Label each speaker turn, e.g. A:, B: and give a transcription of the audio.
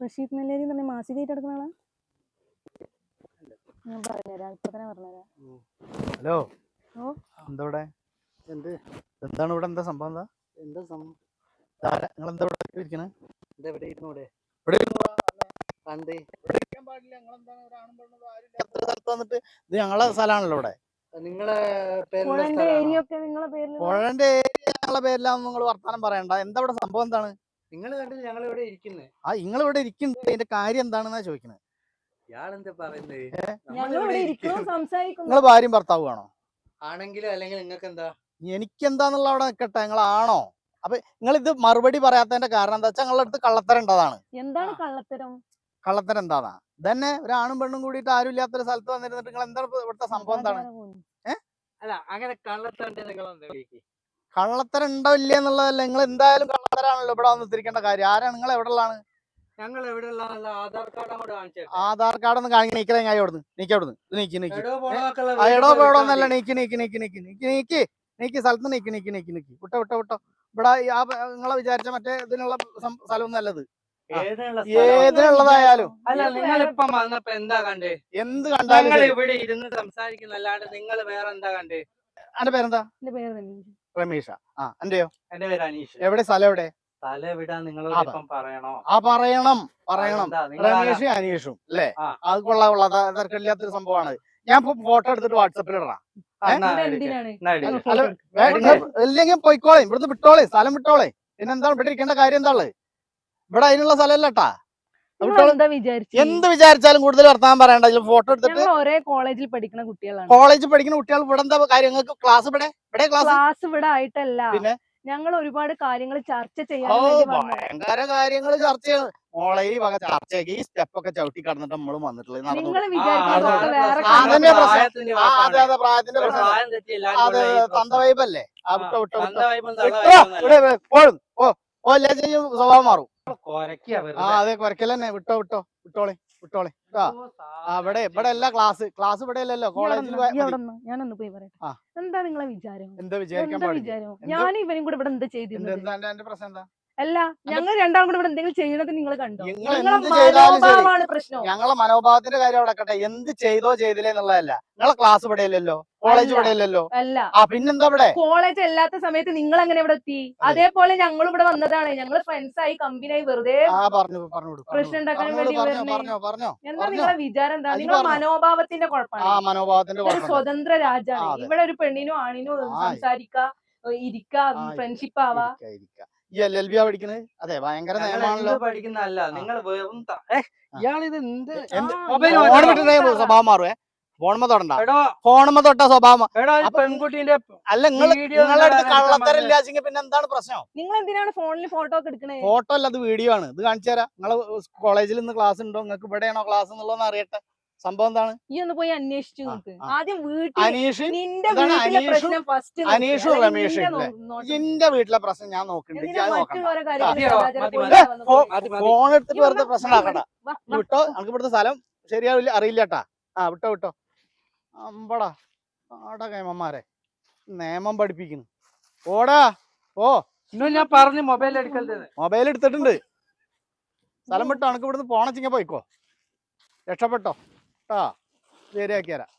A: റഷീദ് നെല്ലേരി എന്ന് പറഞ്ഞ മാസികയായിട്ട് എടുക്കുന്ന ആളാ? ഞാൻ പറഞ്ഞുതരാം, ഇപ്പൊ തന്നെ പറഞ്ഞുതരാം.
B: ഹലോ,
A: ഓ
B: എന്താ ഇവിടെ? എന്താണ് ഇവിടെ? എന്താ സംഭവം? എന്താ സംഭവം? നിങ്ങൾ എന്താ ഇവിടെ ഇരിക്കണേ? ഇവിടെ ഇരുന്നൂടെ? ഇവിടെ വന്നിട്ട് ഇത് ഞങ്ങളെ സ്ഥലമാണല്ലോ ഇവിടെ. നിങ്ങളെ
A: പുഴന്റെ ഏരിയ ഒക്കെ നിങ്ങളെ പേരിൽ?
B: പുഴന്റെ ഏരിയ ഞങ്ങളെ പേരിലാന്ന് നിങ്ങൾ വർത്താനം പറയണ്ട. എന്താ ഇവിടെ സംഭവം? എന്താണ്
C: നിങ്ങൾ കണ്ടില്ല ഞങ്ങൾ ഇവിടെ ഇരിക്കുന്നത്?
B: നിങ്ങൾ ഇവിടെ ഇരിക്കുന്നത് അതിന്റെ കാര്യം എന്താണെന്നാ ചോദിക്കണേ.
C: ഇയാളെന്താ പറയുന്നത്?
B: നിങ്ങൾ ഭാര്യയും ഭർത്താവുമാണോ?
C: ആണെങ്കിലും അല്ലെങ്കിൽ നിങ്ങൾക്ക് എന്താ?
B: എനിക്കെന്താന്നുള്ള അവിടെ നിൽക്കട്ടെ. നിങ്ങളാണോ? അപ്പൊ നിങ്ങൾ ഇത് മറുപടി പറയാത്തതിന്റെ കാരണം എന്താ വെച്ചാൽ നിങ്ങളുടെ അടുത്ത് കള്ളത്തരം ഉണ്ടതാണ്.
A: എന്താണ് കള്ളത്തരം?
B: കള്ളത്തരം എന്താന്നാ? ഇതന്നെ ഒരാണും പെണ്ണും കൂടിയിട്ട് ആരും ഇല്ലാത്തൊരു സ്ഥലത്ത് വന്നിരുന്നിട്ട് നിങ്ങൾ എന്താണ് ഇവിടുത്തെ സംഭവം? എന്താണ്?
C: അല്ല, അങ്ങനെ കള്ളത്തരം
B: കള്ളത്തരം ഉണ്ടോ ഇല്ലേ എന്നുള്ളതല്ല. നിങ്ങൾ എന്തായാലും കള്ളത്തരാണല്ലോ ഇവിടെ വന്നിരിക്കേണ്ട കാര്യം. ആരാണ് നിങ്ങൾ? എവിടെ ഉള്ളതാണ്?
C: ഞങ്ങൾ എവിടെ ഉള്ള ആധാർ കാർഡ് അങ്ങോട്ട് കാണിച്ചു.
B: ആധാർ കാർഡ് ഒന്ന് കാണിക്കാൻ നീക്കല. ഞാൻ അവിടുന്ന് നീക്കി എടോ പോടോന്നല്ല. നീക്കി സ്ഥലത്ത് നീക്കി വിട്ടോ. ഇവിടെ നിങ്ങളെ വിചാരിച്ച മറ്റേ ഇതിനുള്ള സ്ഥലമൊന്നും അല്ലത്. ഏതിനുള്ളതായാലും.
C: അല്ല, നിങ്ങളിപ്പം വന്നപ്പോ എന്താ കണ്ടേ?
B: എന്ത് കണ്ടാലും
C: ഇവിടെ ഇരുന്ന് സംസാരിക്കുന്നല്ലാണ്ട് നിങ്ങൾ വേറെ എന്താ കണ്ടേ?
B: എന്റെ പേരെന്താ? രമേഷ. എന്റെയോ?
C: എന്റെ പേര് അനീഷ്.
B: എവിടെ സ്ഥലം? എവിടെ
C: സ്ഥലം എവിടാ? നിങ്ങൾ പറയണോ?
B: പറയണം. രമേഷും അനീഷും അല്ലേ? അത് കൊള്ളാം. തിരക്കില്ലാത്തൊരു സംഭവമാണ്. ഞാൻ ഫോട്ടോ എടുത്തിട്ട് വാട്സപ്പിൽ ഇടാം. അല്ലെങ്കിൽ പോയിക്കോളെ, ഇവിടുന്ന് വിട്ടോളെ, സ്ഥലം വിട്ടോളെ. പിന്നെന്താ ഇവിടെ ഇരിക്കേണ്ട കാര്യം? എന്താ ഉള്ളത് ഇവിടെ? അതിനുള്ള സ്ഥലമല്ലട്ടാ. എന്ത് വിചാരിച്ചാലും കൂടുതൽ വർത്താനം പറയണ്ട. ഫോട്ടോ എടുത്തിട്ട്
A: ഒരേ കോളേജിൽ പഠിക്കുന്ന കുട്ടികളാണ്.
B: കോളേജിൽ പഠിക്കുന്ന കുട്ടികൾ ഇവിടെ എന്താ കാര്യം? നിങ്ങൾക്ക് ക്ലാസ്
A: ക്ലാസ് ഇവിടെ ആയിട്ടല്ല. പിന്നെ ഞങ്ങൾ ഒരുപാട് കാര്യങ്ങൾ ചർച്ച ചെയ്യാൻ
B: ഭയങ്കര കാര്യങ്ങൾ ചർച്ച ചെയ്യണം. ഓളയിൽ വക ചർച്ചയാക്കി ഈ സ്റ്റെപ്പൊക്കെ ചവിട്ടി കടന്നിട്ട് നമ്മളും വന്നിട്ടുള്ളത്. പ്രായത്തിന്റെ അതെ തന്ത വൈബല്ലേ? സ്വഭാവം മാറും. അതെ, കുറയ്ക്കൽ തന്നെ. വിട്ടോളെ. അവിടെ ഇവിടെ അല്ല ക്ലാസ് ഇവിടെ അല്ലല്ലോ, കോളേജിൽ.
A: ഞാനൊന്ന് പോയി പറയട്ടെ. എന്താ നിങ്ങളെ വിചാരം?
B: എന്താ വിചാരം?
A: ഞാൻ ഇവനും കൂടെ ഇവിടെ എന്താ ചെയ്തിരുന്നത്?
B: എന്റെ പ്രശ്നം എന്താ?
A: അല്ല, ഞങ്ങൾ രണ്ടാളും കൂടെ ഇവിടെ എന്തെങ്കിലും ചെയ്യുന്നത് നിങ്ങൾ കണ്ടോ? പ്രശ്നം
B: ഞങ്ങളെ മനോഭാവത്തിന്റെ കാര്യം അവിടെ. എന്ത് ചെയ്തോ ചെയ്തില്ലേ എന്നുള്ളതല്ല. നിങ്ങളെ ക്ലാസ് ഇവിടെ ഇല്ലല്ലോ, കോളേജ് ഇവിടെ ഇല്ലല്ലോ.
A: അല്ല,
B: പിന്നെന്താ ഇവിടെ?
A: കോളേജ് അല്ലാത്ത സമയത്ത് നിങ്ങൾ എങ്ങനെ ഇവിടെ എത്തി? അതേപോലെ ഞങ്ങളും ഇവിടെ വന്നതാണ്. ഞങ്ങൾ ഫ്രണ്ട്സ് ആയി കമ്പനിയായി വെറുതെ പ്രശ്നം ഉണ്ടാക്കാൻ വേണ്ടി. എന്താ നിങ്ങളെ വിചാരം? എന്താ നിങ്ങളെ മനോഭാവത്തിന്റെ കുഴപ്പമാണ്. സ്വതന്ത്ര രാജ്യമാണ് ഇവിടെ. ഒരു പെണ്ണിനോ ആണിനോ സംസാരിക്കാ, ഇരിക്കാ, ഫ്രണ്ട്ഷിപ്പ് ആവാ.
B: LLB പഠിക്കുന്നത്? അതെ, ഭയങ്കര നിയമമാണല്ലോ.
C: പഠിക്കുന്നല്ല നിങ്ങൾ. ഇയാളിത്
B: സ്വഭാവം മാറുവേ. ഫോണുമ്മ തൊട്ട സ്വഭാവം.
C: പെൺകുട്ടീന്റെ
B: അല്ല, നിങ്ങളുടെ അടുത്ത് കള്ളത്തരം ഇല്ലാച്ചെങ്കിൽ പിന്നെ എന്താണ് പ്രശ്നം?
A: നിങ്ങൾ എന്തിനാണ് ഫോണിൽ ഫോട്ടോ ഒക്കെ എടുക്കണേ?
B: ഫോട്ടോ അല്ല, അത് വീഡിയോ ആണ്. ഇത് കാണിച്ചു തരാം. നിങ്ങള് കോളേജിൽ നിന്ന് ക്ലാസ് ഉണ്ടോ? നിങ്ങൾക്ക് ഇവിടെയാണോ ക്ലാസ് എന്നുള്ളതെന്ന് അറിയട്ടെ. സംഭവം എന്താണ്?
A: ഈ ഒന്ന് പോയി അന്വേഷിച്ചു ആദ്യം.
B: അനീഷും രമേഷും എന്റെ വീട്ടിലെ പ്രശ്നം ഞാൻ നോക്കുന്നുണ്ട്. ഫോൺ എടുത്തിട്ട് വെറുതെ പ്രശ്നം ആക്കണ്ട. വിട്ടോ, നമുക്ക് ഇവിടുത്തെ സ്ഥലം ശരിയാവില്ല, അറിയില്ലട്ടാ. വിട്ടോ. അമ്പടാ ആടാ കൈമന്മാരെ നിയമം പഠിപ്പിക്കുന്നു. ഓടാ
C: ഞാൻ പറഞ്ഞു മൊബൈൽ
B: എടുത്തിട്ടുണ്ട്. സ്ഥലം വിട്ടോ, നമുക്ക് ഇവിടുന്ന് പോണച്ചിങ്ങ പോയിക്കോ. രക്ഷപ്പെട്ടോ. ശരിയാക്കി തരാം.